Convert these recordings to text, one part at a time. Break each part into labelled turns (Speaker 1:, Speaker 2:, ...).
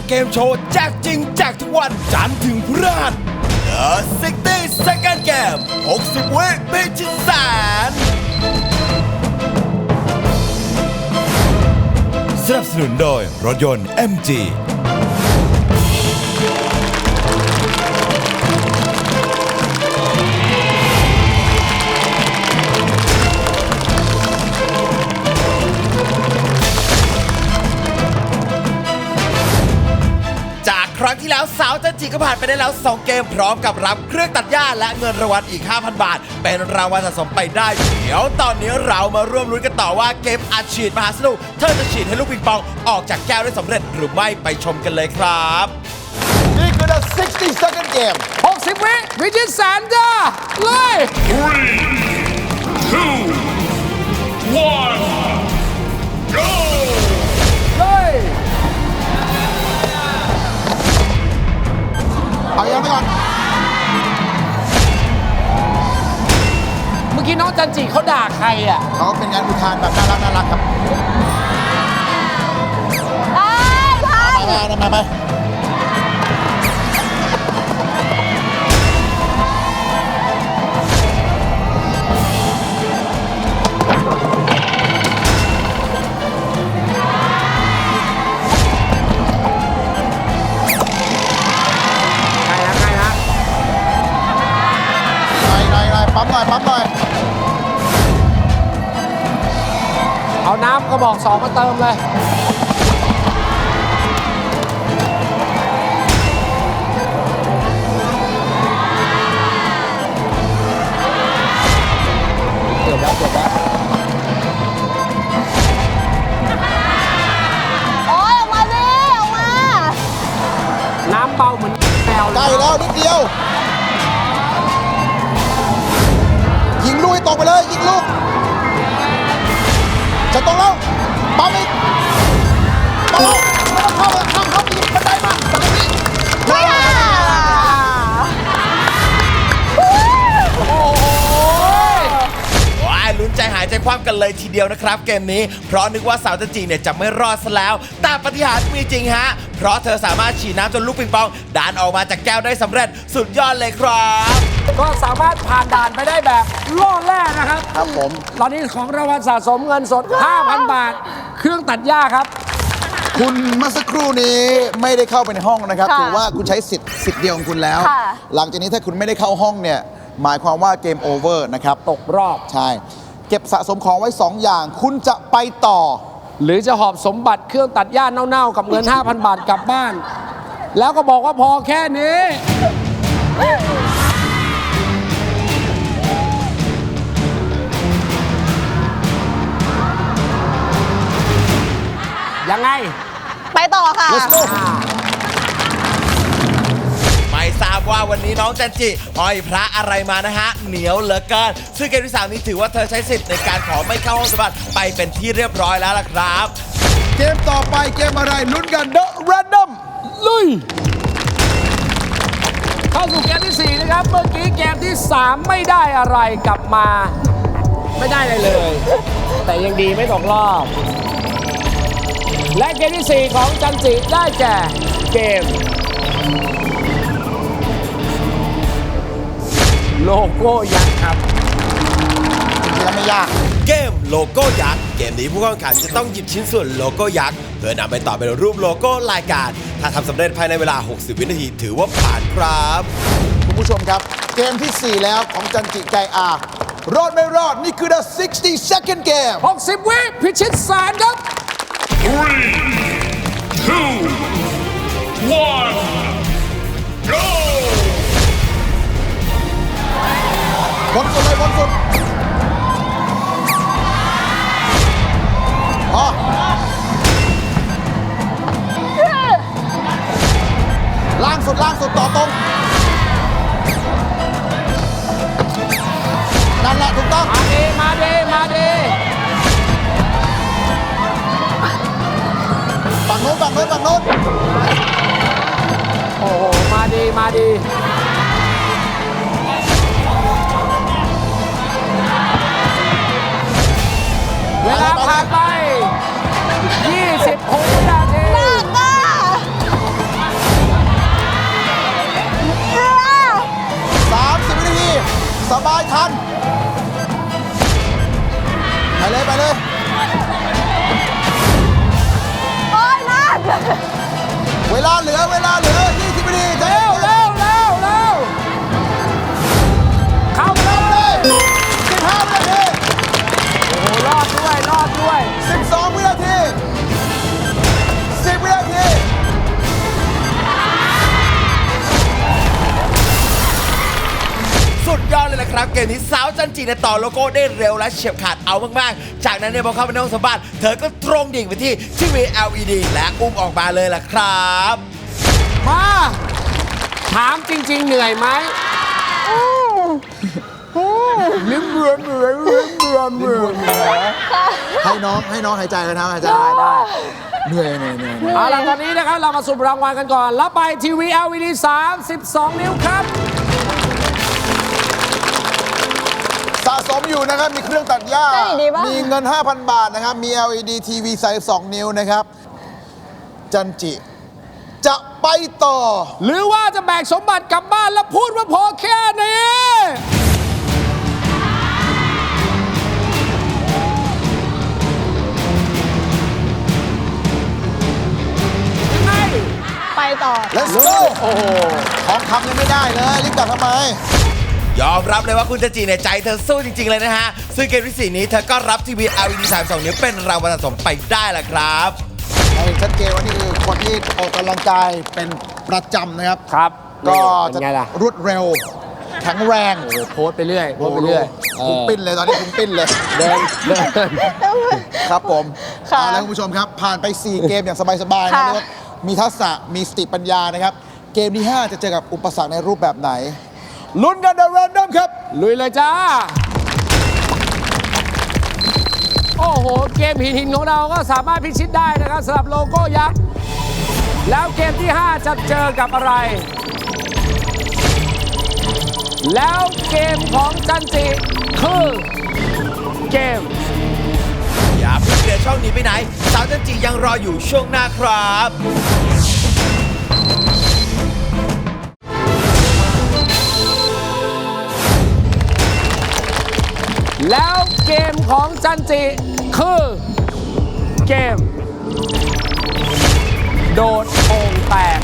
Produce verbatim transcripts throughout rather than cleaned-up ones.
Speaker 1: เกมโชว์แจกจริงแจกทุกวันจันทร์ถึงพฤหัส The หกสิบ Second Game หกสิบ วิพิชิตแสนสนับสนุนโดยรถยนต์ เอ็ม จีครั้งที่แล้วสาวจันจิก็ผ่านไปได้แล้วสองเกมพร้อมกับรับเครื่องตัดหญ้าและเงินรางวัลอีก ห้าพัน บาทเป็นรางวัลสะสมไปได้เดี๋ยวตอนนี้เรามาร่วมลุ้นกันต่อว่าเกมอัดฉีดมหาสนุกเธอจะฉีดให้ลูกปิงปองออกจากแก้วได้สำเร็จหรือไม่ไปชมกันเลยครับ
Speaker 2: นี่คือ The หกสิบ Second Game
Speaker 3: หกสิบ วิพิชิตแสนจ้าเลย
Speaker 4: three two one go
Speaker 3: เลย
Speaker 2: เอายังไปก่อน
Speaker 3: เมื่อกี้น้องจันจิเขาด่าใครอ่ะ
Speaker 2: เขาเป็นงานอุทานแบบน่ารักน่ารักครับ
Speaker 5: ได้ทัน
Speaker 2: มามามาปั๊มหน่อยปั๊มหน่อย
Speaker 3: เอาน้ำกระบอกสองมาเติมเลยเกือบแล้วเกือบแล้ว
Speaker 5: โอ้ยออกมาดิออกมา
Speaker 3: น้ำเบาเหมือนแมว
Speaker 2: ใกล้แล้วนิดเดียวยิงลูกให้ตกไปเลยยิงลูกจะตกแล้วปั๊มอีกปั๊มไม่ต้องเข้าเลยข้ามเข้าไปยิงบันไดมาตรงนี้
Speaker 5: ไม่ได้
Speaker 1: โอ้ยลุ้นใจหายใจคว่ำกันเลยทีเดียวนะครับเกมนี้เพราะนึกว่าสาวจันจิเนี่ยจะไม่รอดซะแล้วแต่ปาฏิหาริย์มีจริงฮะเพราะเธอสามารถฉีดน้ำจนลูกปิงปองดันออกมาจากแก้วได้สำเร็จสุดยอดเลยครับ
Speaker 3: ก็สามารถผ่านด่านไปได้แบบล่อแร่นะครับ
Speaker 2: ครับผม
Speaker 3: ตอนนี้ของรางวัลสะสมเงินสด ห้าพัน บาทเครื่องตัดหญ้าครับ
Speaker 2: คุณเมื่อสักครู่นี้ไม่ได้เข้าไปในห้องนะครับถือว่าคุณใช้สิทธิ์สิทธิ์เดียวของคุณแล้วหลังจากนี้ถ้าคุณไม่ได้เข้าห้องเนี่ยหมายความว่าเกมโอเวอร์นะครับ
Speaker 3: ตกรอบ
Speaker 2: ใช่เก็บสะสมของไว้สองอย่างคุณจะไปต่อ
Speaker 3: หรือจะหอบสมบัติเครื่องตัดหญ้าเน่าๆกับเงิน ห้าพัน บาทกลับบ้านแล้วก็บอกว่าพอแค่นี้ยังไง
Speaker 5: ไปต่อค่ะ
Speaker 2: Let's go
Speaker 1: ไม่ทราบว่าวันนี้น้องจันจิห้อยพระอะไรมานะฮะเหนียวเหลือเกินซึ่งเกมที่สามนี้ถือว่าเธอใช้สิทธิ์ในการขอไม่เข้าห้องสมบัติไปเป็นที่เรียบร้อยแล้วล่ะครับ
Speaker 2: เกมต่อไปเกมอะไรลุ้นกัน The Random
Speaker 3: ลุยเข้าสู่เกมที่สี่นะครับเมื่อกี้เกมที่สามไม่ได้อะไรกลับมาไม่ได้อะไรเลย แต่ยังดีไม่ตกรอบและเกมที่สี่ของจันจิได้แก่เกมโลโก้ยักษ์ครับ
Speaker 2: จริงๆแล้วไม่ยาก
Speaker 1: เกมโลโก้ยักษ์เกมนี้ผู้แข่งขันจะต้องหยิบชิ้นส่วนโลโก้ยักษ์เพื่อนำไปต่อเป็นรูปโลโก้รายการถ้าทำสำเร็จภายในเวลาหกสิบวินาทีถือว่าผ่านครับ
Speaker 2: คุณผู้ชมครับเกมที่สี่แล้วของจันจิไกอารอดไม่รอดนี่คือ The หกสิบ Second Game
Speaker 3: หกสิบ วิพิชิตแสนครับ
Speaker 4: three two one go
Speaker 2: บนสุดเลยบนสุดพอล่างสุดล่างสุดต่อตรงนั่นแหละถูกต้อง
Speaker 3: มาดีมาดีมาดี
Speaker 2: ฝั่งโน้นฝั่งโน้นฝั่งโน้น
Speaker 3: โอ้โหมาดีมาดีเวลาผ่านไปยี่สิบหกวินาที
Speaker 2: ลาเหลือเวลาเหลือยี่สิบวินาทีใจ
Speaker 3: เร็ว
Speaker 2: เย็น
Speaker 3: เร็วเร็วเร็วเข้าไปเลย
Speaker 2: สิบห้าวินาที
Speaker 3: โอ้โหรอดด้วยรอดด้วย
Speaker 2: สิบสองวินาทีสิบวินาที
Speaker 1: สุดยอดเลยนะครับ เกมนี้สาวจันจีเนี่ยต่อโลโก้ได้เร็วและเฉียบขาดเอามากๆ จากนั้นเนี่ยพอเข้าไปในห้องสัมภาษณ์เธอก็ตรงดิ่งไปที่ทีวี แอล อี ดี และอุ้มออกมาเลยล่ะครับ
Speaker 3: มาถามจริง ๆ เหนื่อยไหมลิ้มเบื่อเบื่อลิ้มเบื่อเบื่อ
Speaker 2: ให้น้องให้น้องหายใจกันนะหายใจได้ เหนื่อยเหนื่อยเหนื่อยเหนื่อย
Speaker 3: เอาล่ะตอนนี้นะครับเรามาสุ่มรางวัลกันก่อนรับไปทีวี แอล อี ดี สามสิบสอง นิ้วครับ
Speaker 2: สะสมอยู่นะครับ มีเครื่องตัดหญ้า
Speaker 5: ได้ดีปะ
Speaker 2: มีเงิน ห้าพัน บาทนะครับ มี แอล อี ดี ที วี สามสิบสอง นิ้วนะครับ จันจิ จะไปต่อ
Speaker 3: หรือว่าจะแบกสมบัติกลับบ้านแล้วพูดว่าพอแค่นี้ยังไง
Speaker 5: ไปต่อ
Speaker 2: let's go โอ้โหของคำยังไม่ได้เลย รีบกลับทำไม
Speaker 1: ยอมรับเลยว่าคุณจันจีเนี่ยใจเธอสู้จริง ๆ เลยนะฮะ ซึ่งเกมที่สี่นี้เธอก็รับทีวี แอล อี ดี สามสิบสอง นิ้วเป็นรางวัลสะสมไปได้ล่ะครับ
Speaker 2: เห็นชัดเจนว่านี่คือคนที่ออกกำลังกายเป็นประจำนะครับ
Speaker 3: ครับ
Speaker 2: ก็
Speaker 3: เป็
Speaker 2: จะ
Speaker 3: นไงล่ะ
Speaker 2: รวดเร็ว แข็งแรง
Speaker 3: โอ้โหโพสต์ไปเรื่อยโพสต์ไปเรื่อย
Speaker 2: คุ้มปิ้นเลยตอนนี้คุ้มปิ้นเลย
Speaker 3: เดินเดิน
Speaker 2: ครับผม
Speaker 5: ค่ะ
Speaker 2: เอาละคุณผู้ชมครับ ผ่านไป สี่ เกมอย่างสบายๆนะ
Speaker 5: ค่ะ
Speaker 2: เรียกว่ามีทักษะมีสติปัญญานะครับ เกมที่ ห้า จะเจอกับอุปสรรคในรูปแบบไหน ลุ้นกันในแรนดอมครับ
Speaker 3: ลุยเลยจ้า โอ้โห เกมหินหินของเราก็สามารถพิชิตได้นะครับสำหรับโลโก้ยักษ์ แล้วเกมที่ ห้า จะเจอกับอะไร แล้วเกมของจันจิคือเกม
Speaker 1: อย่าเพิ่งเปลี่ยนช่องหนี้ไปไหน สาวจันจียังรออยู่ช่วงหน้าครับ
Speaker 3: แล้วเกมของจันจิคือเกม โดดโป่งแตก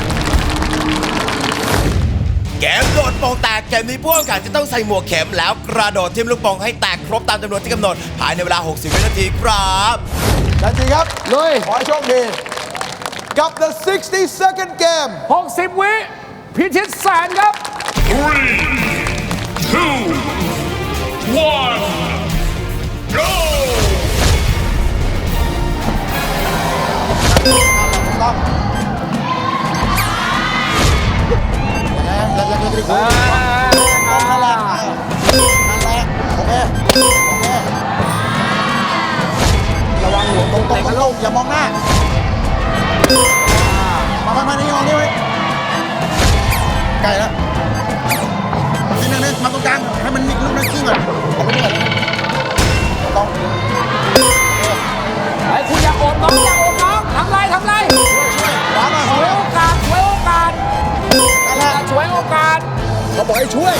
Speaker 1: เกมโดดโป่งแตกเกมนี้ผู้แข่งขันจะต้องใส่หมวกเข็มแล้วกระโดดทิ่มลูกโป่งให้แตกครบตามจำนวนที่กำหนด ภายในเวลา หกสิบ วินาทีครับ
Speaker 2: จันจีครับ
Speaker 3: ลุย
Speaker 2: ขอให้โชคดี กับ the sixty second game
Speaker 3: หกสิบ วิพิชิตแสนครับ
Speaker 4: Three, two, one, go!
Speaker 2: ต้องยังไงยังยังยังยังนั่นแหละนั่นแหละโอเค โอเค ระวังหัวตรงตรงตรงลงอย่ามองหน้า มามามานี่มองนี่ไว้ไกลแล้วนี่นี่นี่มาตรงกลาง ให้มันมีลูกนักกิ้งก่อนเอาลูกนี้ก่อนต้อง
Speaker 3: ไอ้คุณอย่าโอนน้องอย่าโอนน้องทำไรทำไร
Speaker 2: ขวามา
Speaker 3: ช่วยโอกาสช่วยโอกาส
Speaker 2: นั่นแหละ
Speaker 3: ช่วยโอกาส
Speaker 2: เขาบอกให้ช่วย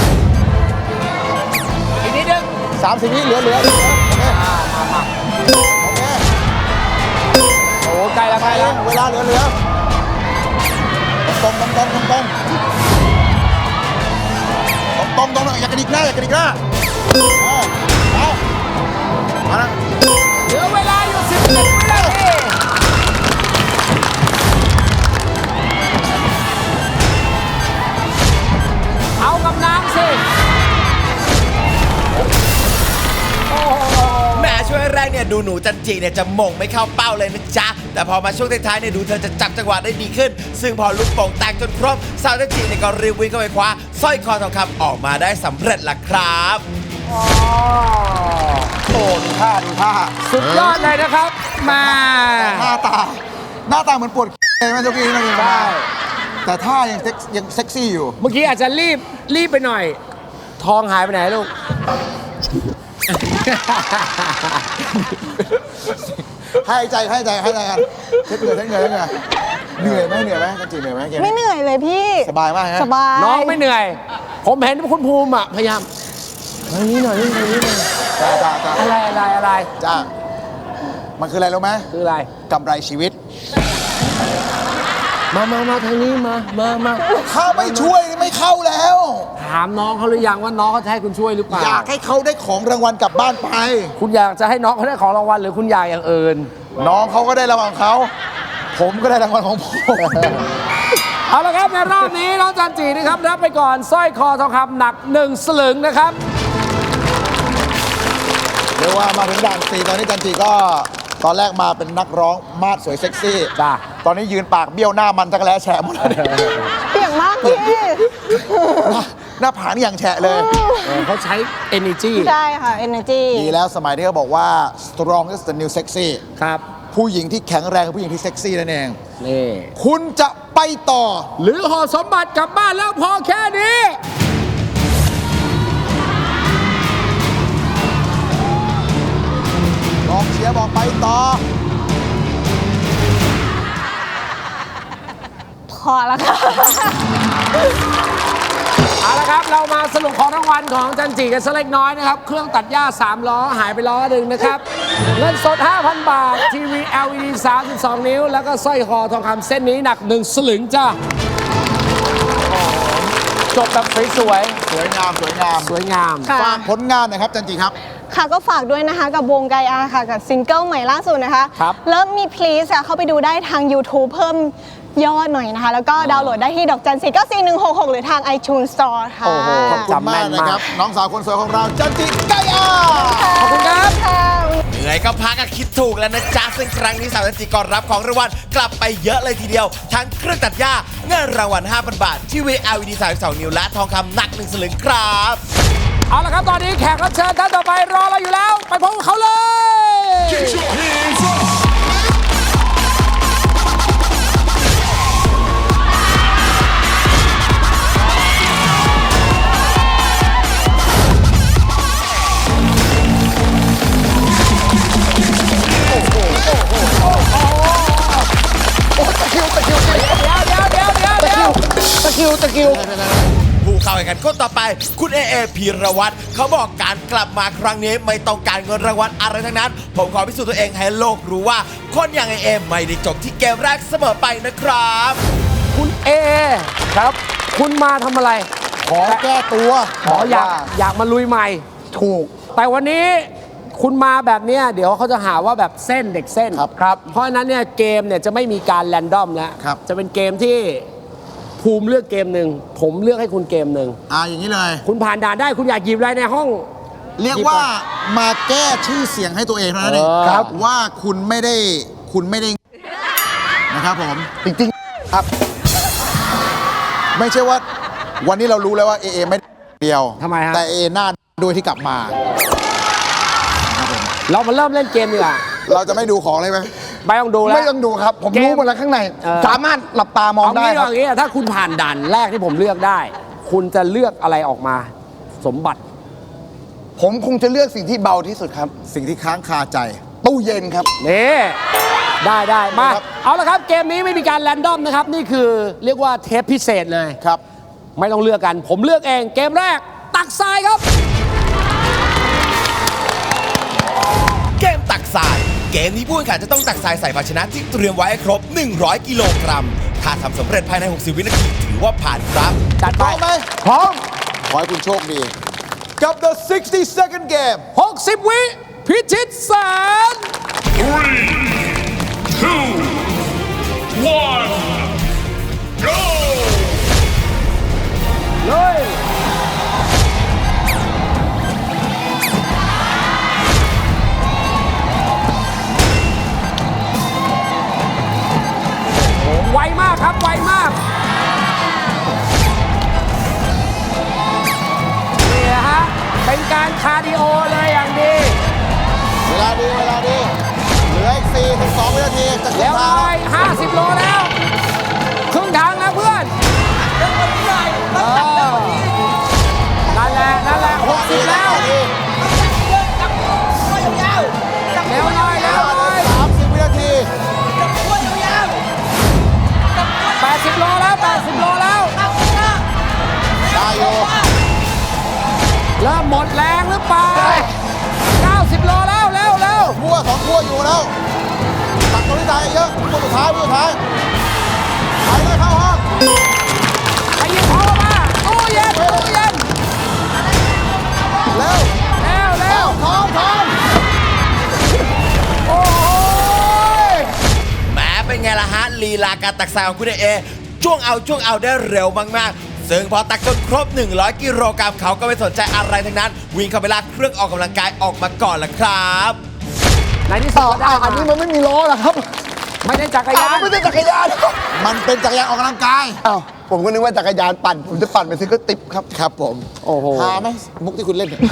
Speaker 3: อีกนิดนึง
Speaker 2: สามสิบวิเหลือเหลือเหลือโอเคโอเค
Speaker 3: โอ้ใกล้แล้ว
Speaker 2: ไป
Speaker 3: ใกล้
Speaker 2: แล้
Speaker 3: แล้ว ว
Speaker 2: เวลาเหลือเหลือตรงตรงตรงตรงตรงตรงตรงตรงอย่ากระดิกหน้าอย่ากระดิกหน้าเออเอามาแล้ว
Speaker 3: เหลือเวลาอยู่สิบเจ็ดวินาทีเอากับน้ำสิโอ้โห
Speaker 1: แหม่ช่วงแรกเนี่ยดูหนูจันจีเนี่ยจะมงไม่เข้าเป้าเลยนะจ๊ะ แต่พอมาช่วงท้ายๆเนี่ยดูเธอจะจับจังหวะได้ดีขึ้น ซึ่งพอลูกโป่งแตกจนครบ สาวจันจีเนี่ยก็รีบวิ่งเข้าไปคว้าสร้อยคอทองคำออกมาได้สำเร็จล่ะครับ
Speaker 2: โอ้ดูท่าดูท่า
Speaker 3: สุดยอดเลยนะครับมา
Speaker 2: หน้าตา หน้าตาเหมือนปวดเลยไหมเจ้ากี้นั่นเอง
Speaker 3: ใช่
Speaker 2: แต่ท่ายังเซ็กยังเซ็กซี่อยู่
Speaker 3: เมื่อกี้อาจจะรีบรีบไปหน่อย ทองหายไปไหนลูก
Speaker 2: ให้ใจให้ใจให้ใจกันเช็ดเหงื่อเช็ดเหงื่อเช็ดเหงื่อเหนื่อยไหมเหนื่อยไหมจันจีเหนื่อยไหมเกม
Speaker 5: ไม่
Speaker 2: นี้
Speaker 5: เหนื่อยเลยพี่
Speaker 2: สบายมากฮะ
Speaker 5: สบาย
Speaker 3: น้องไม่เหนื่อย ผมเห็นคุณภูมิอ่ะ พยายามเฮ้ยนี่หน่อยนี่หน่อยนี่หน่อย
Speaker 2: จ้าจ้าจ้า
Speaker 3: อะไรอะไรอะไร
Speaker 2: จ้ามันคืออะไรรู้ไหม
Speaker 3: คืออะไร
Speaker 2: กำไรชีวิต
Speaker 3: มมามามาทางนี้มา มามา
Speaker 2: ถ้าไม่ช่วยนี่ไม่เข้าแล้ว
Speaker 3: ถามน้องเขาหรือยังว่าน้องเขาจะให้คุณช่วยหรือเปล่า
Speaker 2: อยากให้เขาได้ของรางวัลกลับบ้านไป
Speaker 3: คุณอยากจะให้น้องเขาได้ของรางวัลหรือคุณอยากอย่างอื่น
Speaker 2: น้องเขาก็ได้รางวัลของเขา ผมก็ได้รางวัลของผม
Speaker 3: เอาละครับในรอบนี้น้องจันจีนะครับรับไปก่อนสร้อยคอทองคำหนักหนึ่งสลึงนะครับ
Speaker 2: เรียกว่ามาถึงด่านสี่ตอนนี้จันจีก็ตอนแรกมาเป็นนักร้องมาดสวยเซ็กซี่
Speaker 3: จ้ะ
Speaker 2: ตอนนี้ยืนปากเบี้ยวหน้ามันจักรแล้แฉะหมดเลย
Speaker 5: เปียกมากพี่
Speaker 2: หน้าหน้าผากนี่อย่างแฉะเลย
Speaker 3: เออเขาใช้ energy
Speaker 5: ใช่ค่ะ energy
Speaker 2: ดีแล้วสมัยที่เขาบอกว่า strong is the new sexy
Speaker 3: ครับ
Speaker 2: ผู้หญิงที่แข็งแรงคือผู้หญิงที่เซ็กซี่นั่นเอง
Speaker 3: นี่
Speaker 2: คุณจะไปต่อ
Speaker 3: หรือห่อสมบัติกลับบ้านแล้วพอแค่นี้
Speaker 2: ลองเชียร์บอกไปต่อ
Speaker 5: พอแล้วค่ะ
Speaker 3: เอาละครับ เรามาสรุปของรางวัลของจันจีกันสักเล็กน้อยนะครับ เครื่องตัดหญ้าสามล้อหายไปล้อหนึ่งนะครับ เงินสด ห้าพัน บาท ทีวี แอล อี ดี สามสิบสอง นิ้ว แล้วก็สร้อยคอทองคำเส้นนี้หนักหนึ่งสลึงจ้าจบแบบสวย
Speaker 2: สวยงามสวยงาม
Speaker 3: ๆ สวยงาม
Speaker 5: ค่ะ
Speaker 2: ฝากผลงานหนะครับจันจีครับ
Speaker 5: ค่ะก็ฝากด้วยนะคะกับวงไกอาค่ะ กับซิงเกิลใหม่ล่าสุดนะคะ
Speaker 3: ครับ
Speaker 5: เริ่มมี please ค่ะเข้าไปดูได้ทาง YouTube เพิ่มยอดหน่อยนะคะ แล้วก็ดาวน์โหลดได้ที่ดอกจันสี่เก้าสี่หนึ่งหกหกหรือทาง iTunes Store ค่ะ
Speaker 3: โอ้โห
Speaker 2: ขอบคุณมากนะครับ น้องสาวคนสวยของเราจันจีไกอา
Speaker 3: ขอบคุณครับ
Speaker 5: ค่ะ
Speaker 1: เหนื่อยก็พักก็คิดถูกแล้วนะจ๊ะซึ่งครั้งนี้สาวจันจิก็รับของรางวัลกลับไปเยอะเลยทีเดียว ทั้งเครื่องตัดหญ้าเงินรางวัล ห้าพัน บาท ทีวี แอล อี ดี สามสิบสอง นิ้วและทองคำหนักหนึ่งสลึงครับ
Speaker 3: เอาละครับ ตอนนี้แขกรับเชิญท่านต่อไปรอเราอยู่แล้ว ไปพบกับเขาเลย
Speaker 4: Get your hands up.
Speaker 3: เดี๋ยวเดี๋ยวเดี๋ยวเดี๋ยวเดี๋ยวเดี๋ยวตะคิวตะคิว
Speaker 1: ผู้เข้าแข่งขันคนต่อไป คุณเอเอพีรวัตรเขาบอกการกลับมาครั้งนี้ไม่ต้องการเงินรางวัลอะไรทั้งนั้น ผมขอพิสูจน์ตัวเองให้โลกรู้ว่าคนอย่างเอเอไม่ได้จบที่เกมแรกเสมอไปนะครับ
Speaker 3: คุณเอครับ คุณมาทำอะไร
Speaker 2: ขอแก้ตัว
Speaker 3: ขออยากอยากมาลุยใหม่
Speaker 2: ถูก
Speaker 3: แต่วันนี้คุณมาแบบเนี้ยเดี๋ยวเขาจะหาว่าแบบเส้นเด็กเส้น
Speaker 2: ครับครับ
Speaker 3: เพราะฉะนั้นเนี่ยเกมเนี่ยจะไม่มีการแรนดอมแล้ว
Speaker 2: ครับ
Speaker 3: จะเป็นเกมที่ภูมิเลือกเกมหนึ่งผมเลือกให้คุณเกมหนึ่ง
Speaker 2: อ่าอย่างนี้เลย
Speaker 3: คุณผ่านด่านได้คุณอยากหยิบอะไรในห้อง
Speaker 2: เรียกว่ามาแก้ชื่อเสียงให้ตัวเองเท่านั้นเอง
Speaker 3: เออครับ
Speaker 2: ว่าคุณไม่ได้คุณไม่ได้นะครับผมจริงๆครับ ไม่ใช่ว่าวันนี้เรารู้แล้วว่าเอเอไม่ได้เดียว
Speaker 3: ทำไมฮะ
Speaker 2: แต่เอหน้าด้วยที่กลับมา
Speaker 3: เรามาเริ่มเล่นเกมดีกว่า
Speaker 2: เราจะไม่ดูของเลยไหม
Speaker 3: ไม่ต้องดูแล้ว
Speaker 2: ไม่ต้องดูครับ ผม
Speaker 3: เกม
Speaker 2: รู้หมดแล้วข้างใน
Speaker 3: เออ
Speaker 2: สามารถหลับตามอง
Speaker 3: เอา
Speaker 2: ได้
Speaker 3: งี้
Speaker 2: ครั
Speaker 3: เอา
Speaker 2: บ
Speaker 3: งี้ถ้าคุณผ่านด่านแรกที่ผมเลือกได้ คุณจะเลือกอะไรออกมา สมบัติ
Speaker 2: ผมคงจะเลือกสิ่งที่เบาที่สุดครับ สิ่งที่ค้างคาใจ ตู้เย็นครับ
Speaker 3: นี่ได้ได้มา
Speaker 2: ครับ
Speaker 3: เอาละครับเกมนี้ไม่มีการแรนดอมนะครับ นี่คือเรียกว่าเทปพิเศษเลย
Speaker 2: ครับ
Speaker 3: ไม่ต้องเลือกกัน ผมเลือกเองเกมแรก ตักทรายครับ
Speaker 1: เกมตักทราย เกมนี้ผู้แข่งขันจะต้องตักทรายใส่ภาชนะที่เตรียมไว้ให้ครบ หนึ่งร้อย กิโลกรัม ถ้าทำสำเร็จภายใน หกสิบ วินาที ถือว่าผ่านครับ
Speaker 3: จัด
Speaker 2: พ
Speaker 3: ไป
Speaker 2: ร้อมไหมพร้อม ขอให้คุณโชคดี กับ the sixty second game
Speaker 3: หกสิบ วิ พิชิตแสน
Speaker 4: Three, two, one, go!
Speaker 3: เลย ไวมากครับ ไวมาก นี่นะฮะ เป็นการคาร์ดิโอเลยอย่างดี
Speaker 2: เวลาดี เวลาดี เหลืออีกสี่ถึงสองวินาทีจะขึ้
Speaker 3: แล้
Speaker 2: น
Speaker 3: ว
Speaker 2: ทาง
Speaker 3: ไปห้าสิบโลแล้ว ครึ่งทางแล้วเพื่อนเออนั่นแหละ นั่นแหละหกสิบแล้ว เร็วหน่อยเร็วหน่อย
Speaker 2: สามสิบวินาที
Speaker 3: แปดสิบโลแล้วแปดสิบโลแล้ว
Speaker 2: ได้อยู่
Speaker 3: เริ่มหมดแรงหรือเปล่าเก้าสิบโลแล้วเร็วเร็ว
Speaker 2: พัวสองพัวอยู่แล้ว ตักตัวที่ตายเยอะพัวสุดท้ายพัวสุดท้ายไปเลย
Speaker 3: ไปหยิบของออกมาตู้เย็นตู้เย็น
Speaker 2: เร็ว
Speaker 3: เร็วเร็ว
Speaker 2: ทองทอง
Speaker 3: โอ้ย
Speaker 1: แหม้เป็นไงล่ะฮะลีลาการตักทรายของคุณเอช่วงเอาช่วงเอาได้เร็วมากๆ ซึ่งพอตักจนครบ หนึ่งร้อย กิโลกรัมเขาก็ไม่สนใจอะไรทั้งนั้น วิ่งเข้าไปลากเครื่องออกกำลังกายออกมาก่อนละครับ
Speaker 3: ในที่สุดก็ได้
Speaker 2: อันนี้มันไม่มีล้อหรอครับ
Speaker 3: ไม่ได้จักรยาน
Speaker 2: ไม่ใช่จักรยาน มันเป็นจักรยานออกกำลังกาย
Speaker 6: อ้าวผมก็นึกว่าจักรยานปั่น ผมจะปั่นไปซื้อก็ติบครับ
Speaker 2: ครับผม
Speaker 3: โอ้โห
Speaker 2: หาไหมมุกที่คุณเล่นเนี่ย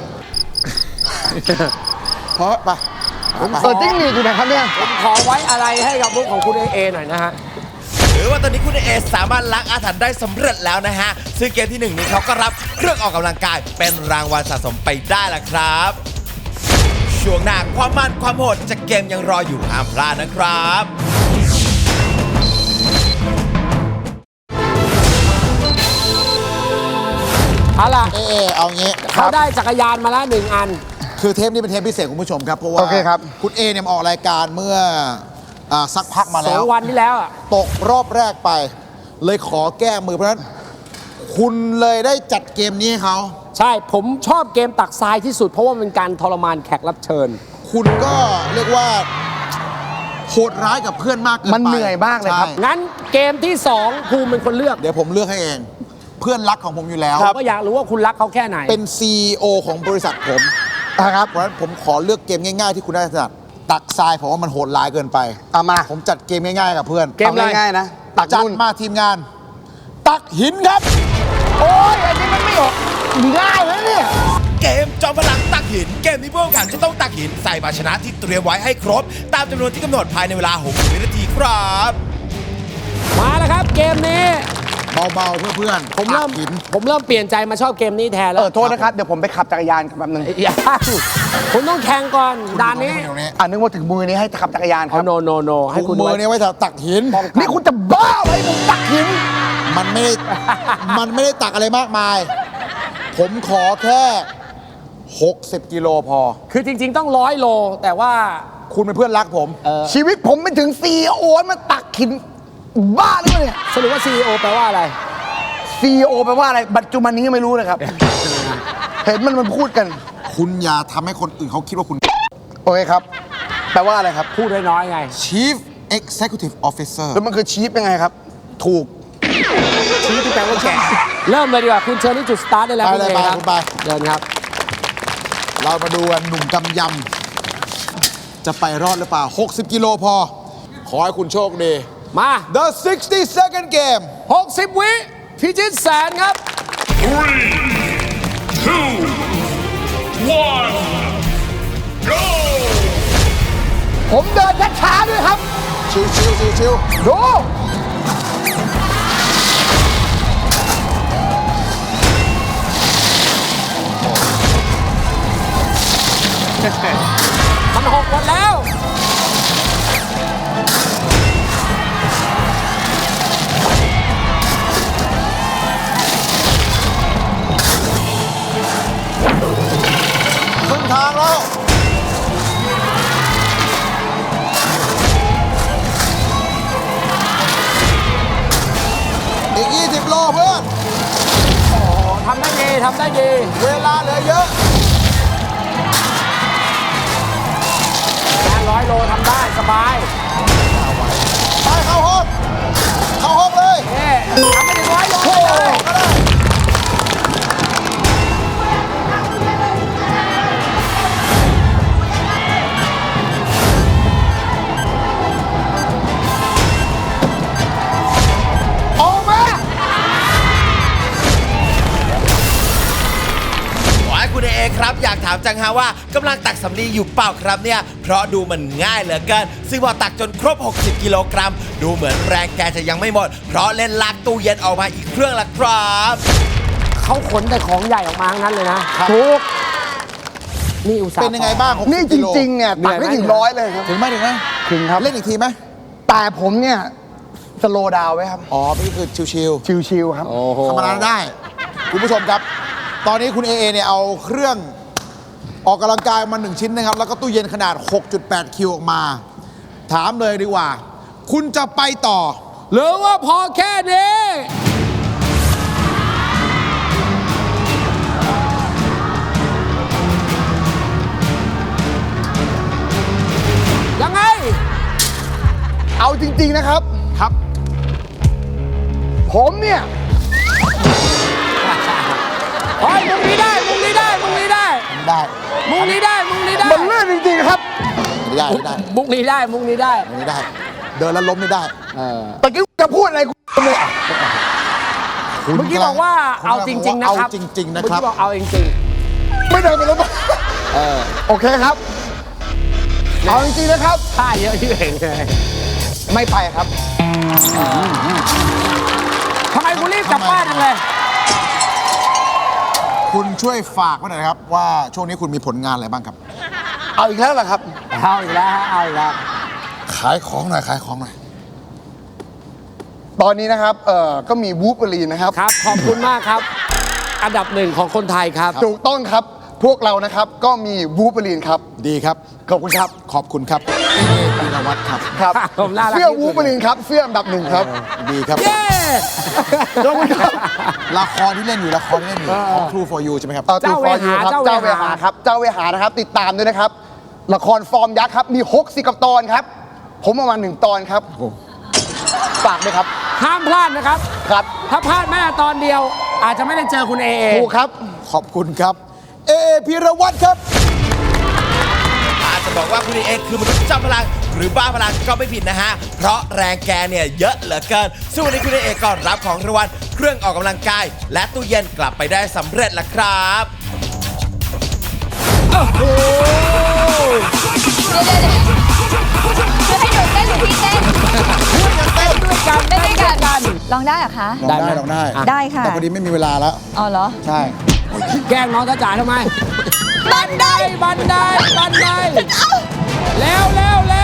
Speaker 2: เพราะไป
Speaker 6: เออจิ้งหรีดอยู่ไหนครับเนี่ย
Speaker 3: ขอไว้อะไรให้กับมุกของคุณเอเอหน่อยนะฮะ
Speaker 1: หรือว่าตอนนี้คุณเอสามารถล้างอาถรรพ์ได้สำเร็จแล้วนะฮะ ซึ่งเกมที่หนึ่งนี้เขาก็รับเครื่องออกกำลังกายเป็นรางวัลสะสมไปได้ละครับ ช่วงหน้าความมันความโหดจากเกมยังรออยู่ห้ามพลาดนะครับ
Speaker 3: เอาล่ะ
Speaker 2: เอเอเอางี้
Speaker 3: เขาได้จักรยานมาแล้วหนึ่งอัน
Speaker 2: คือเทปนี้เป็นเทปพิเศษคุณผู้ชมครับ เพราะว่า
Speaker 6: โอเคครับ
Speaker 2: คุณเอเนี่ยมาออกรายการเมื่ออ่าสักพักมา
Speaker 3: ส
Speaker 2: แล้
Speaker 3: อ
Speaker 2: ว
Speaker 3: งวันที่แล้วอ่ะ
Speaker 2: ตกรอบแรกไป เลยขอแก้มือเพราะฉะนั้น คุณเลยได้จัดเกมนี้ให้เขา
Speaker 3: ใช่ ผมชอบเกมตักทรายที่สุด เพราะว่ามันเป็นการทรมานแขกรับเชิญ
Speaker 2: คุณก็เรียกว่าโหดร้ายกับเพื่อนมากเกินไป
Speaker 6: มันเหนื่อยมากเลยครับ
Speaker 2: ใช่
Speaker 3: งั้นเกมที่สองภูมิเป็นคนเลือก
Speaker 2: เดี๋ยวผมเลือกให้เอง เพื่อนรักของผมอยู่แล้ว
Speaker 3: ผมก็อยากรู้ว่าคุณรักเขาแค่ไหน
Speaker 2: เป็น ซี อี โอ ของบริษัทผม
Speaker 6: นะครับ
Speaker 2: เพราะฉะนั้นผมขอเลือกเกมง่ายๆที่คุณได้ถนัดตักทรายผมว่ามันโหดร้ายเกินไป
Speaker 6: เอามา
Speaker 2: ผมจัดเกมง่ายๆกับเพื่อน
Speaker 3: เกมอะไร
Speaker 6: อาง่ายๆนะ ตัก
Speaker 2: จัด
Speaker 6: นุ่น
Speaker 2: มาทีมงาน ตักหินครับ
Speaker 6: โอ้ยอันนี้มันไม่ออกง่ายเลยเนี่ย
Speaker 1: เกมจอมพลังตักหิน เกมนี้ผู้แข่งขันจะต้องตักหินใส่ภาชนะที่เตรียมไว้ให้ครบ ตามจำนวนที่กำหนดภายในเวลา หกสิบ วินาทีครับ
Speaker 3: มาแล้วครับ เกมนี้
Speaker 2: เบาๆเพื่อเพื่อน
Speaker 3: ผมเริ่ม
Speaker 2: ตักหิน
Speaker 3: ผมเริ่มเปลี่ยนใจมาชอบเกมนี้แทน
Speaker 6: เอ
Speaker 3: แล้ว
Speaker 6: อ โทษนะครับ เดี๋ยวผมไปขับจักรยานกับแบบนึง
Speaker 3: อย่าคุณต้องแข่งก่อนด่านนี้
Speaker 2: ตรงนี้
Speaker 6: อ่านึกว่าถึงมือนี้ให้ขับจักรยานค
Speaker 3: เอา
Speaker 6: รับ
Speaker 3: โนโนโนให้
Speaker 2: ถุ
Speaker 3: คุณ
Speaker 2: งมือ
Speaker 3: ไว้
Speaker 2: เนี่ยไว้สำหรับตักหิน
Speaker 6: นี่คุณจะบ้าไหมผมตักหิน
Speaker 2: มันไม่ได้ มันไม่ได้ตักอะไรมากมาย ผมขอแค่ หกสิบ กิโลพอ
Speaker 3: คือจริง ๆ ต้องร้อยโล แต่ว่า
Speaker 2: คุณเป็นเพื่อนรักผม
Speaker 6: ชีวิตผมไม่ถึงซีโอมาตักหิน บ้าหรือเปล่าเนี่ย
Speaker 3: สรุปว่า ซี อี โอ แปลว่าอะไร
Speaker 6: ซีโอแปลว่าอะไร ปัจจุบันนี้ยังไม่รู้เลยครับ เห็นมันมันพูดกัน
Speaker 2: คุณอย่าทำให้คนอื่นเขาคิดว่าคุณ
Speaker 6: โอเคครับ แปลว่าอะไรครับ
Speaker 3: พูดน้อยๆไง
Speaker 2: Chief Executive Officer
Speaker 6: แล้วมันคือชีฟยังไงครับ ถูก
Speaker 3: ชี้ที่แปลว่าแก่เริ่มเลยดีกว่า คุณเชิญที่จุดสตาร์ทได้แล้ว
Speaker 2: ไป
Speaker 3: คุณ
Speaker 2: เลย
Speaker 3: เอ
Speaker 2: ไป
Speaker 3: ครับ
Speaker 2: คุณไป
Speaker 3: เดินครับ
Speaker 2: เรามาดูกันหนุ่มกำยำ จะไปรอดหรือเปล่า หกสิบ กิโลพอ ขอให้คุณโชคดี
Speaker 3: มา
Speaker 2: The sixty second game
Speaker 3: หกสิบ วิพิชิตแสนครับ
Speaker 4: Three, two, one, go!
Speaker 6: ผมเดินช้าๆด้วยครับ
Speaker 2: ชิวชิวชิวชิว
Speaker 6: ดู
Speaker 3: มันหกหมดแล้ว
Speaker 2: ครึ่งทางแล้ว อีก ยี่สิบ โลเพื่อน
Speaker 3: ทำได้ดี ทำได้ดี
Speaker 2: เวลาเหลือเยอะ
Speaker 3: งานร้อยโลทำได้สบาย
Speaker 2: ไปเข้าห้อง เข้าห้องเลย
Speaker 3: เอ๊ะทำไม่ถึงร้อยโล
Speaker 2: โอ้
Speaker 3: ได้
Speaker 2: โห
Speaker 3: เลย
Speaker 2: ก็ได้ออกมา
Speaker 1: ขอให้คุณเอครับอยากถามจังฮะว่ากำลังตักสำลีอยู่เปล่าครับเนี่ย เพราะดูมันง่ายเหลือเกิน ซึ่งพอตักจนครบ หกสิบ กิโลกรัม ดูเหมือนแรงแกจะยังไม่หมด เพราะเล่นลากตู้เย็นออกมาอีกเครื่องละครับ
Speaker 3: เขาขนแต่ของใหญ่ออกมาทั้งนั้นเลยนะ
Speaker 6: ถูก
Speaker 3: นี่อุตส่าห์
Speaker 2: เป็นยังไงบ้าง
Speaker 6: นี่จริง ๆ เนี่ย ตักไม่ถึงร้อยเลยครับ
Speaker 2: ถึงไหมถึงไหม
Speaker 6: ถึงครับ
Speaker 2: เล่นอีกทีไหม
Speaker 6: แต่ผมเนี่ยสโลดาวไว้ครับ
Speaker 2: อ๋อนี่คือชิว
Speaker 6: ชิวๆครับ
Speaker 3: โอ้โห
Speaker 2: ๆธรรมดาได้ คุณผู้ชมครับ ตอนนี้คุณเอเอเนี่ยเอาเครื่องออกกำลังกายมาหนึ่งชิ้นนะครับ แล้วก็ตู้เย็นขนาด หกจุดแปด คิวออกมา ถามเลยดีกว่า คุณจะไปต่อ
Speaker 3: หรือว่าพอแค่นี้ ยังไง
Speaker 6: เอาจริง ๆ นะครับ
Speaker 2: ครับ
Speaker 6: ผมเนี่ย
Speaker 3: โอ้ยมุงนี้ได้ มุงนี้ได้ มุงนี้ได้
Speaker 2: ได้
Speaker 3: มุงนี้ได้ มุงนี้ได้
Speaker 6: มันเลื่อนจริง ๆ ครับ
Speaker 2: ไม่ได้ไม่ได้
Speaker 3: มุงนี้ได้ มุงนี้ได้
Speaker 2: ไม่ได้ เดินแล้วล้มไม่ได้
Speaker 6: ตะกี้จะพูดอะไรกูเลยอ่ะ
Speaker 2: คุณ
Speaker 3: เมื่อกี้บอกว่าเอาจริง ๆ นะ
Speaker 2: เอา
Speaker 3: ครับ
Speaker 2: จริง ๆ นะครับ
Speaker 3: เมื่อกี้บอกเอาจริง
Speaker 6: ไม่เดินไปแล้วมั้งโอเคครับ เอาจริง ๆ นะครับ
Speaker 3: ๆท่าเยอะที่เห็นเลย
Speaker 6: ไม่ไปครับ
Speaker 3: ทำไมคุณรีบกลับบ้านจังเลย
Speaker 2: คุณช่วยฝากไว้หน่อยนะครับ ว่าช่วงนี้คุณมีผลงานอะไรบ้างครับ
Speaker 6: เอาอีกแล้วเหรอครับ
Speaker 3: เอาอีกแล้วฮะเอาอีกแล้ว
Speaker 2: ขายของหน่อยขายของหน่อย
Speaker 6: ตอนนี้นะครับ เอ่อ ก็มีวูฟเวอรีนนะครับ
Speaker 3: ครับ ขอบคุณมากครับ อันดับหนึ่งของคนไทยครับ
Speaker 6: ถูกต้องครับ พวกเรานะครับ ก็มีวูฟเวอรีนครับ
Speaker 2: ดีครับ
Speaker 6: ขอบคุณครับ
Speaker 2: ขอบคุณครับเอเอธีรวัฒน์ครับ
Speaker 6: ครับ
Speaker 3: ผมน่ารัก
Speaker 6: เสื้อ
Speaker 3: ที่สุด
Speaker 6: วูฟเวอรีนครับ เสื้ออันดับหนึ่งครับ
Speaker 2: ดีครับ
Speaker 3: เย้
Speaker 6: ขอบคุณครับ
Speaker 2: ละครที่เล่นอยู่ละครที่เล่นอยู่ของ True for You ใช่ไหมครับ
Speaker 6: เอ่อ
Speaker 3: เจ้าเวหา
Speaker 6: ครับ
Speaker 3: เจ้า
Speaker 6: เจ้า
Speaker 3: เว
Speaker 6: เว
Speaker 3: หา
Speaker 6: หาครับ เจ้าเวหานะครับ ติดตามด้วยนะครับ ละครฟอร์มยักษ์ครับ มีหกสิบกับตอนครับ ผมประมาณหนึ่งตอนครับฝากด้วยครับ
Speaker 3: ห้ามพลาดนะครับ
Speaker 6: ครับ
Speaker 3: ถ้าพลาดแม้แต่ตอนเดียว อาจจะไม่ได้เจอคุณเอเอ
Speaker 6: ถูกครับ
Speaker 2: ขอบคุณครับ เอเอพีรวัตรครับ
Speaker 1: อาจจะบอกว่าคุณเอกคือมนุษย์จอมพลัง หรือบ้าพลังก็ไม่ผิดนะฮะ เพราะแรงแกเนี่ยเยอะเหลือเกินซึ่งวันนี้คุณเอกก็รับของรางวัลเครื่องออกกำลังกาย และตู้เย็นกลับไปได้สำเร็จแล้วครับ
Speaker 7: จะให้หนูเต้นหรือพี่เต้น
Speaker 3: เต้นด้วยกัน
Speaker 7: เต้นด้วยกันร้องได้เหรอคะ
Speaker 2: ลองได้ลองได้
Speaker 7: ได้ค่ะ
Speaker 2: แต่พอดีไม่มีเวลาแล้ว
Speaker 7: อ๋อเหรอ
Speaker 2: ใช่
Speaker 3: แกล้งน้องจ้าจ๋าทำไม บันได บันได บันได เร็วเร็วเร็